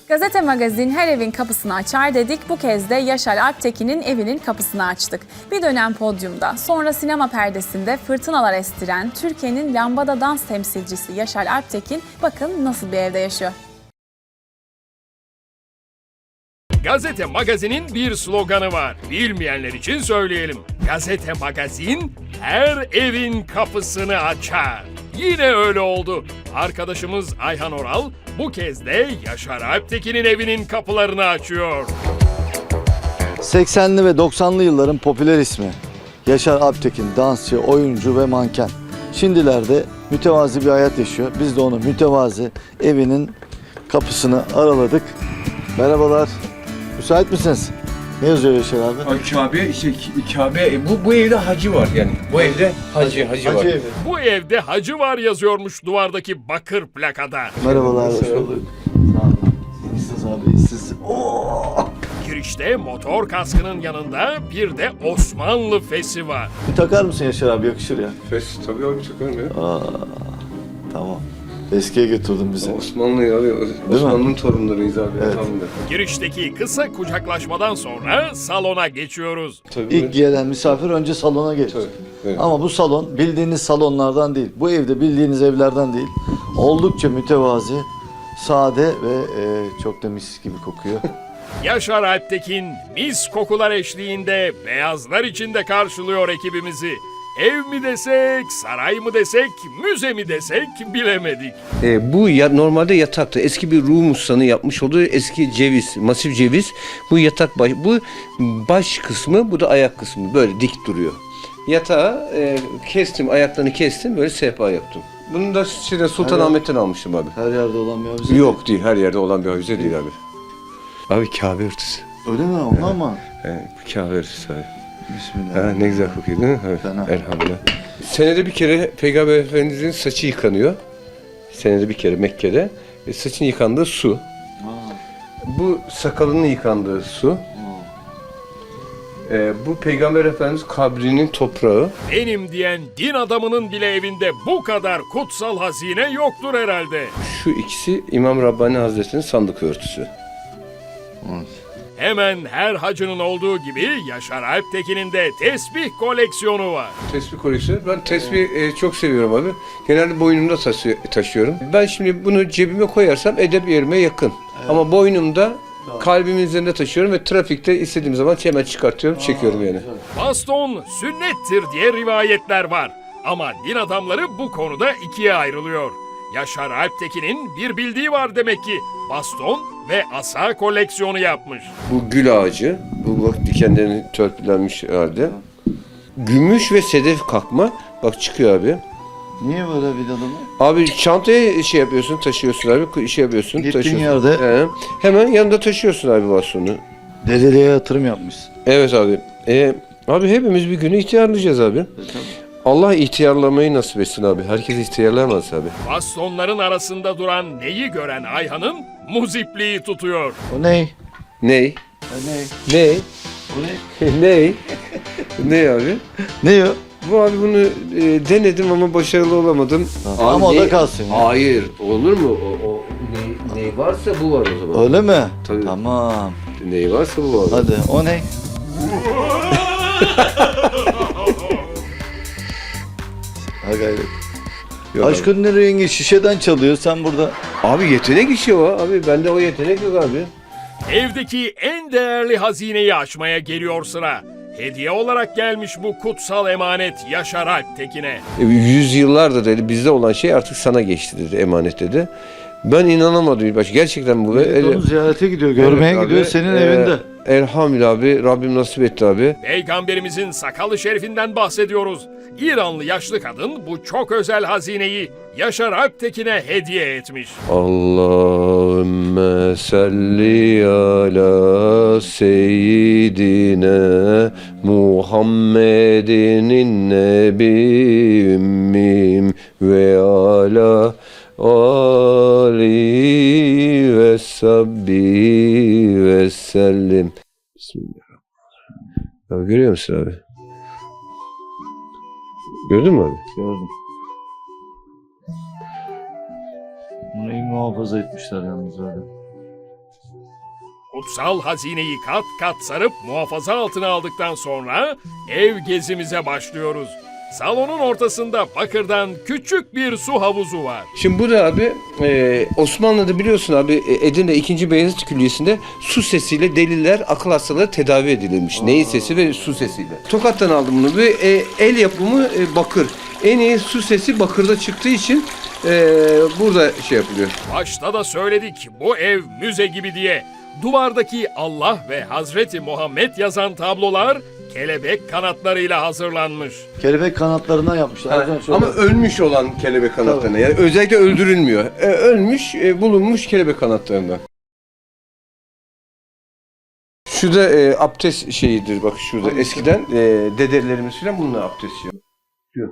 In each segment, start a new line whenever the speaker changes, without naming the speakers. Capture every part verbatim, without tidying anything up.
Gazete Magazin her evin kapısını açar dedik. Bu kez de Yaşar Alptekin'in evinin kapısını açtık. Bir dönem podyumda, sonra sinema perdesinde fırtınalar estiren Türkiye'nin lambada dans temsilcisi Yaşar Alptekin bakın nasıl bir evde yaşıyor.
Gazete Magazin'in bir sloganı var. Bilmeyenler için söyleyelim. Gazete Magazin her evin kapısını açar. Yine öyle oldu. Arkadaşımız Ayhan Oral bu kez de Yaşar Alptekin'in evinin kapılarını açıyor.
seksenli ve doksanlı yılların popüler ismi Yaşar Alptekin, dansçı, oyuncu ve manken. Şimdilerde mütevazi bir hayat yaşıyor. Biz de onu mütevazi evinin kapısını araladık. Merhabalar. Müsait misiniz? Ne yazıyor Yaşar abi?
Ay Kabe, işte Kabe, bu, bu evde hacı var yani. Bu evde hacı, hacı,
Hacı
var.
evi.
Bu evde hacı var yazıyormuş duvardaki bakır plakada.
Merhabalar. Hoş bulduk. Sağ olun. İyisiniz abi, iyisiniz. Oo!
Girişte motor kaskının yanında bir de Osmanlı fesi var.
Bir takar mısın Yaşar abi? Yakışır ya.
Fes, tabii abi çıkarım ya.
Aa, tamam. Eskiye götürdün bizi.
Osmanlı abi, Osmanlı'nın torunlarıyız abi.
Evet.
Tam da.
Girişteki kısa kucaklaşmadan sonra salona geçiyoruz.
Tabii.
İlk gelen misafir önce salona gelir.
Tabii, evet.
Ama bu salon bildiğiniz salonlardan değil. Bu evde bildiğiniz evlerden değil. Oldukça mütevazi, sade ve e, çok da mis gibi kokuyor.
Yaşar Alptekin mis kokular eşliğinde beyazlar içinde karşılıyor ekibimizi. Ev mi desek, saray mı desek, müze mi desek bilemedik.
E, bu ya, normalde yataktı. Eski bir Rum ustanı yapmış olduğu eski ceviz, masif ceviz. Bu yatak baş, bu baş kısmı, bu da ayak kısmı. Böyle dik duruyor. Yatağı e, kestim, ayaklarını kestim, böyle sehpa yaptım. Bunu da şeyden, Sultanahmet'ten almıştım abi.
Her yerde olan bir avize.
Yok değil, her yerde olan bir avize değil abi. Abi Kabe örtüsü.
Öyle mi? Ondan mı?
He, bu Kabe örtüsü abi.
Bismillah.
Ha, ne güzel kokuyor değil mi? Evet,
Fena.
elhamdülillah. Senede bir kere Peygamber Efendimiz'in saçı yıkanıyor. Senede bir kere Mekke'de. E, saçın yıkandığı su.
Aa,
Bu sakalının yıkandığı su.
aa.
E, bu Peygamber Efendimiz kabrinin toprağı.
Benim diyen din adamının bile evinde bu kadar kutsal hazine yoktur herhalde.
Şu ikisi İmam Rabbani Hazretleri'nin sandık örtüsü.
Evet.
Hemen her hacının olduğu gibi Yaşar Alptekin'in de tesbih koleksiyonu var.
Tesbih koleksiyonu. Ben tesbih e, çok seviyorum abi. Genelde boynumda taşı- taşıyorum. Ben şimdi bunu cebime koyarsam edep yerime yakın. Ama boynumda kalbimin üzerinde taşıyorum ve trafikte istediğim zaman hemen çıkartıyorum, çekiyorum yani.
Baston sünnettir diye rivayetler var. Ama din adamları bu konuda ikiye ayrılıyor. Yaşar Alptekin'in bir bildiği var demek ki. Baston ve asa koleksiyonu yapmış.
Bu gül ağacı, bu bak dikenlerini törpülenmiş halde. Gümüş ve sedef kakma, bak çıkıyor abi.
Niye böyle vidalı mı?
Abi çantaya şey yapıyorsun, taşıyorsun abi, şey yapıyorsun,
Gittiğin
taşıyorsun.
yerde-
He. Hemen yanında taşıyorsun abi bastonu.
Deliliğe yatırım yapmışsın.
Evet abi. E, abi hepimiz bir günü ihtiyarlayacağız abi. Allah ihtiyarlamayı nasip etsin abi. Herkes ihtiyarlayamaz abi.
Bastonların arasında duran neyi gören Ayhan'ın muzipliği tutuyor.
O ne?
Ney?
O ne?
Ney?
O ne?
Ney? Ney abi?
Ne o?
Bu abi bunu e, denedim ama başarılı olamadım.
Ama
Abi
o da
ney-
kalsın ya.
Hayır. Olur mu? O, o ney, ney varsa bu var o zaman.
Öyle mi?
Tabii.
Tamam.
Ney varsa bu var.
Hadi o ne? Ha gayret.
Yok
Aşkın ne rengi şişeden çalıyor sen burada.
abi. Abi yetenek işi o abi. Bende o yetenek yok abi.
Evdeki en değerli hazineyi açmaya geliyor sıra. Hediye olarak gelmiş bu kutsal emanet Yaşar Alptekin'e.
E, Yüzyıllardır dedi bizde olan şey artık sana geçti dedi, emanet dedi. Ben inanamadım ilk başta. Gerçekten bu.
Evet, onu ziyarete gidiyor, görmeye
Evet
gidiyor
abi,
senin
e,
evinde.
Elhamdülillah abi. Rabbim nasip etti abi.
Peygamberimizin sakalı şerifinden bahsediyoruz. İranlı yaşlı kadın bu çok özel hazineyi Yaşar Alptekin'e hediye etmiş.
Allahümme salli ala seyyidine Muhammedinin nebi ümmim ve ala Ali ve sabbi ve sellim. Bismillahirrahmanirrahim. Ya görüyor musun abi? Gördün mü abi?
Gördüm. Bunu iyi muhafaza etmişler yalnız öyle.
Kutsal hazineyi kat kat sarıp muhafaza altına aldıktan sonra ev gezimize başlıyoruz. Salonun ortasında bakırdan küçük bir su havuzu var.
Şimdi bu da abi e, Osmanlı'da biliyorsun abi e, Edirne ikinci. Beyazıt Külliyesi'nde su sesiyle deliler, akıl hastaları tedavi edilirmiş. Neyin sesi ve su sesiyle. Tokat'tan aldım bunu. Bir e, el yapımı e, bakır. En iyi su sesi bakırda çıktığı için e, burada şey yapılıyor.
Başta da söyledik bu ev müze gibi diye. Duvardaki Allah ve Hazreti Muhammed yazan tablolar kelebek kanatlarıyla hazırlanmış.
Kelebek kanatlarından yapmışlar. Hocam şöyle-
Ama ölmüş olan kelebek kanatlarına. Yani özellikle öldürülmüyor. E, ölmüş, e, bulunmuş kelebek kanatlarından. Şu da e, abdest şeyidir bak şurada. Eskiden e, dedelerimiz falan bununla abdest yapıyor.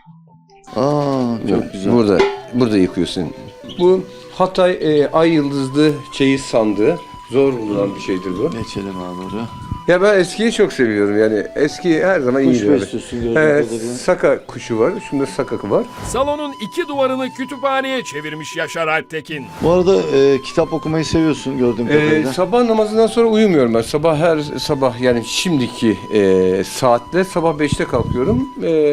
Aa, çok güzel.
Burada, burada yıkıyorsun. Bu Hatay e, ay yıldızlı çeyiz sandığı. Zor bulunan bir şeydir bu.
Geçelim abi oraya.
Ya ben eskiyi çok seviyorum yani. Eski her zaman
Kuş
iyi böyle.
besliyorsun gördüğüm
Evet,
kadarıyla.
saka kuşu var. Şunda sakakı var.
Salonun iki duvarını kütüphaneye çevirmiş Yaşar Alptekin.
Bu arada e, kitap okumayı seviyorsun gördüğüm
Ee,
kadarıyla.
sabah namazından sonra uyumuyorum ben. Sabah her sabah yani şimdiki e, saatte sabah beşte kalkıyorum.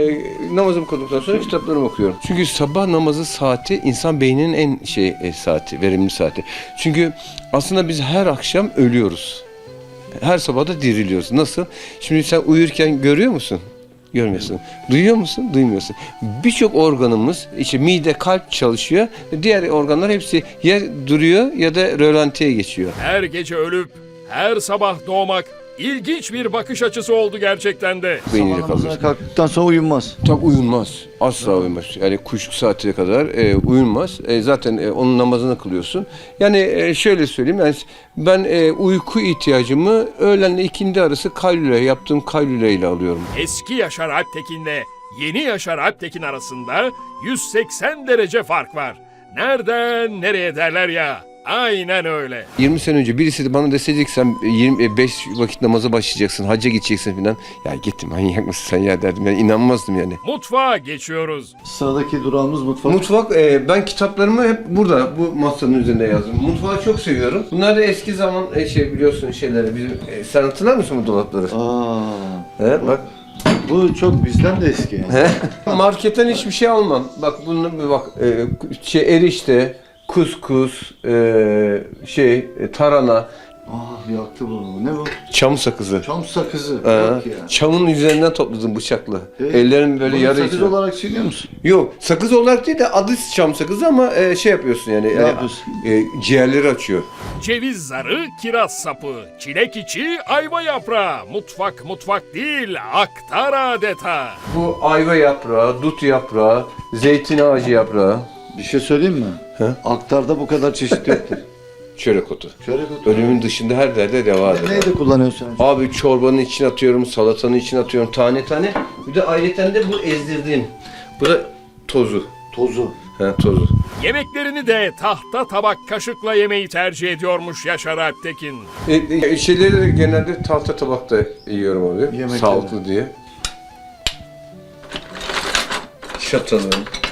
E, namazımı kıldıktan sonra kitaplarımı okuyorum. Çünkü sabah namazı saati insan beyninin en şey e, saati, verimli saati. Çünkü aslında biz her akşam ölüyoruz. Her sabah da diriliyoruz. Nasıl? Şimdi sen uyurken görüyor musun? Görmüyorsun. Duyuyor musun? Duymuyorsun. Birçok organımız, işte mide, kalp çalışıyor. Diğer organlar hepsi ya duruyor ya da rölantiye geçiyor.
Her gece ölüp her sabah doğmak ilginç bir bakış açısı oldu gerçekten de.
Beyninde
Sabah namazına
kalıyor.
kalktıktan sonra uyunmaz.
Tabii uyunmaz. Asla uyumaz. Yani kuşluk saatine kadar e, uyunmaz. E, zaten e, onun namazını kılıyorsun. Yani e, şöyle söyleyeyim. Yani ben e, uyku ihtiyacımı öğlenle ikindi arası kaylule, yaptığım kaylule ile alıyorum.
Eski Yaşar Alptekin'le yeni Yaşar Alptekin arasında yüz seksen derece fark var. Nereden nereye derler ya. Aynen öyle.
yirmi sene önce birisi de bana deseydi ki sen yirmi beş vakit namaza başlayacaksın, hacca gideceksin falan. Ya git manyak mısın sen ya derdim. Yani inanmazdım yani.
Mutfağa geçiyoruz.
Sıradaki durağımız mutfak.
Mutfak, e, ben kitaplarımı hep burada, bu masanın üzerinde yazdım. Mutfağı çok seviyorum. Bunlar da eski zaman e, şey biliyorsun şeyleri. Bizim, e, sen hatırlar mısın bu dolapları?
Aa,
He, bak.
bu çok bizden de eski yani.
Marketten hiçbir şey almam. Bak bunun bir bak e, şey erişte, kuskus, e, şey e, tarhana,
Aa, yaktı bunu. Ne bu?
çam sakızı.
Çam sakızı.
Ee,
Yok ya.
çamın üzerinden topladım bıçakla.
Evet.
Ellerim böyle
Bunu
yarı
sakız
içine.
olarak çiğniyor musun?
Yok, sakız olarak değil de adı çam sakızı ama e, şey yapıyorsun yani. yani,
yapıyorsun?
e, ciğerleri açıyor.
Ceviz zarı, kiraz sapı, çilek içi, ayva yaprağı. Mutfak mutfak değil, aktar adeta.
Bu ayva yaprağı, dut yaprağı, zeytin ağacı yaprağı,
Bir şey söyleyeyim mi?
He?
Aktarda bu kadar çeşit yoktur.
çörek otu.
Şöyle bir
Ölümün dışında her derde deva eder.
Neyi de kullanıyorsun?
Abi çorbanın içine atıyorum, salatanın içine atıyorum tane tane. Bir de ayrıca de bu ezdirdiğim. Bu da tozu.
Tozu.
He, tozu.
Yemeklerini de tahta tabak kaşıkla yemeyi tercih ediyormuş Yaşar Alptekin.
E, e, şeyleri de genelde tahta tabakta yiyorum abi.
Yemekleri.
Sağlıklı diye. Çatalı.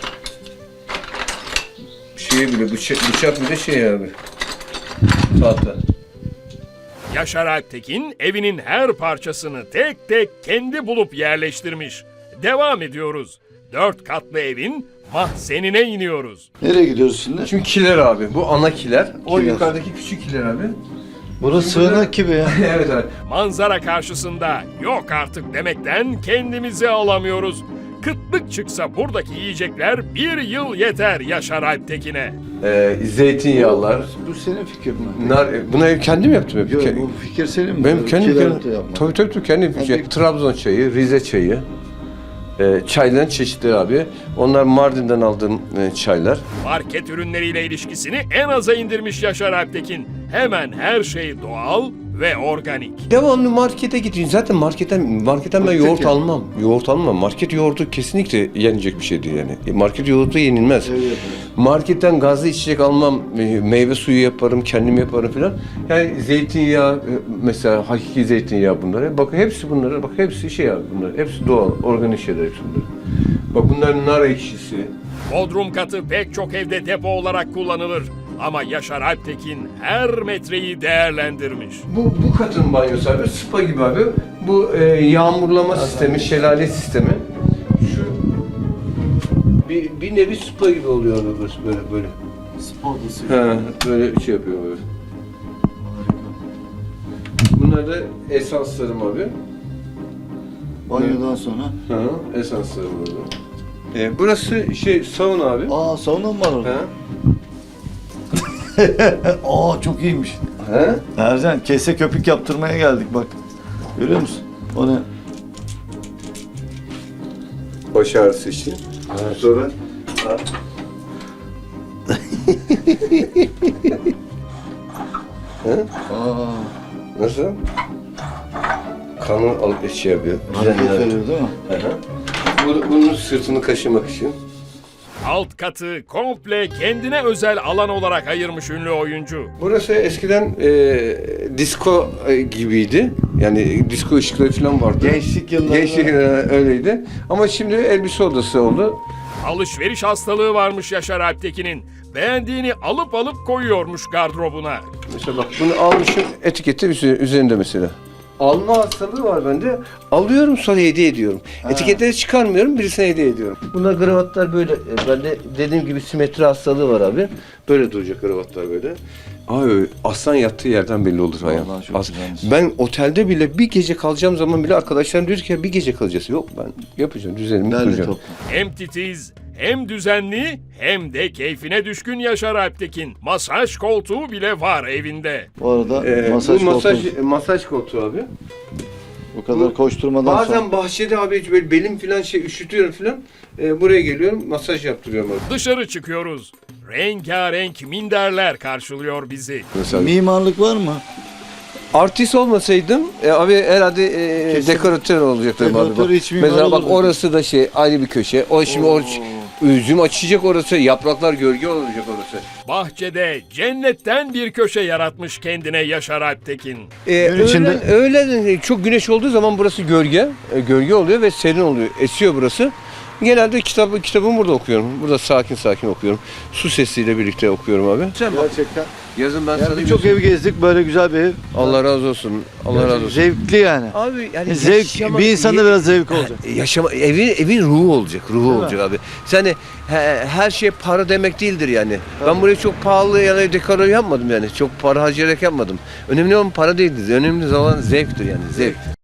Şey bile bıçak, bıçak bile şey abi. Tahta.
Yaşar Alptekin evinin her parçasını tek tek kendi bulup yerleştirmiş. Devam ediyoruz. Dört katlı evin mahzenine iniyoruz.
Nereye gidiyoruz şimdi?
Şimdi kiler abi. Bu ana kiler. O
Kiler.
yukarıdaki küçük kiler abi.
Burası sığınak gibi ya.
Evet abi.
Manzara karşısında yok artık demekten kendimizi alamıyoruz. Kıtlık çıksa buradaki yiyecekler bir yıl yeter Yaşar Alptekin'e.
Ee, zeytinyağlar.
Bu senin fikrin mi?
Nar, bunu ev kendim yaptım hep.
Yok,
Ke-
bu fikir senin mi?
Benim
Böyle
kendim,
kiler
kendim
de yapma.
tabii tabii tabii kendim
Hadi.
şey, Trabzon çayı, Rize çayı, e, çayların çeşitleri abi. Onlar Mardin'den aldığım e, çaylar.
Market ürünleriyle ilişkisini en aza indirmiş Yaşar Alptekin. Hemen her şey doğal ve organik.
Devamlı markete gidiyorsun. Zaten marketten marketten ben
Market
yoğurt
yani.
almam. Yoğurt almam. Market yoğurdu kesinlikle yenecek bir şey değil yani. E, Market yoğurdu yenilmez.
Evet, evet.
Marketten gazlı içecek almam. E, Meyve suyu yaparım, kendim yaparım filan. Yani zeytinyağı e, mesela hakiki zeytinyağı bunlar. Bak hepsi bunları. Bak hepsi şey abi bunlar. Hepsi doğal, organik şeyler hepsi bunlar. Bak bunlar nar ekşisi.
Bodrum katı pek çok evde depo olarak kullanılır. Ama Yaşar Alptekin her metreyi değerlendirmiş.
Bu, bu katın banyosu abi, spa gibi abi. Bu e, yağmurlama sistemi, şelale sistemi. Şu bir, bir nevi spa gibi oluyor abi burası böyle böyle.
Spor odası.
Ha, böyle şey yapıyor böyle. Bunlar da esanslarım abi.
Banyodan sonra.
Ha, esanslarım orada. E, burası şey sauna abi.
Aa sauna mı var orada?
Ha?
Aa çok iyiymiş.
Ha?
Ercan kese köpük yaptırmaya geldik bak. Görüyor musun? O ne?
Baş ağrısı için. Sonra ha. Ha?
Aa,
Nasıl? Kanı alıp şey yapıyor.
hareket
Düzenli.
veriyor değil mi?
Hı hı. Bu- Bunun sırtını kaşımak için.
Alt katı komple kendine özel alan olarak ayırmış ünlü oyuncu.
Burası eskiden e, disco e, gibiydi. Yani disco ışıkları falan vardı.
Gençlik yıllarında.
Gençlik yıllarında öyleydi. Ama şimdi elbise odası oldu.
Alışveriş hastalığı varmış Yaşar Alptekin'in. Beğendiğini alıp alıp koyuyormuş gardırobuna.
Mesela bak bunu almışım, etiketi üze- üzerinde mesela. Alma hastalığı var bende. Alıyorum sonra hediye ediyorum. Etiketleri çıkarmıyorum, birisine hediye ediyorum. Bunlar kravatlar böyle. e, Bende dediğim gibi simetri hastalığı var abi. Böyle duracak kravatlar böyle. Abi aslan yattığı yerden belli olur ayağım.
Vallahi çok
As-
güzelmiş.
Ben otelde bile bir gece kalacağım zaman bile arkadaşlarım diyor ki bir gece kalacağız. Yok ben yapacağım, düzenimi
Derli
kuracağım.
toplu.
Hem titiz, hem düzenli, hem de keyfine düşkün Yaşar Alptekin. Masaj koltuğu bile var evinde.
Bu arada
Ee,
masaj
bu masaj,
koltuğu.
masaj koltuğu abi.
Bu kadar koşturmadan
Bazen
sonra.
bahçede abi hiç böyle belim falan şey üşütüyorum falan. Ee, buraya geliyorum masaj yaptırıyorum abi.
Dışarı çıkıyoruz. Rengarenk minderler karşılıyor bizi.
Mesela
Mimarlık var mı?
artist olmasaydım e, abi herhalde e,
Kesin.
dekoratör olacaktım abi.
Dekoratör,
Bak.
iç mimar
Mesela bak
olurdu.
orası da şey ayrı bir köşe. O şimdi or üzüm açacak orası, yapraklar gölge olacak orası.
Bahçede cennetten bir köşe yaratmış kendine Yaşar Alptekin.
Ee,
Gün içinde-
öğlen, öğlen çok güneş olduğu zaman burası gölge. E, gölge oluyor ve serin oluyor. Esiyor burası. Genelde kitabı kitabımı burada okuyorum. Burada sakin sakin okuyorum. Su sesiyle birlikte okuyorum abi. Sen bak,
Gerçekten.
yazın ben
Yani
sana
birçok
göstereyim.
ev gezdik böyle güzel bir ev.
Allah razı olsun. Allah razı olsun.
Zevkli yani.
Abi yani
Zevk,
yaşama-
bir insanda biraz zevk olacak.
Yaşama evin evin ruhu olacak. Ruhu
mi?
olacak abi. Sen hani he- her şey para demek değildir yani. Ben burayı çok pahalı yani dekor yapmadım yani. Çok para harcayarak yapmadım. Önemli olan para değildir. Önemli olan zevktir yani. Zevk.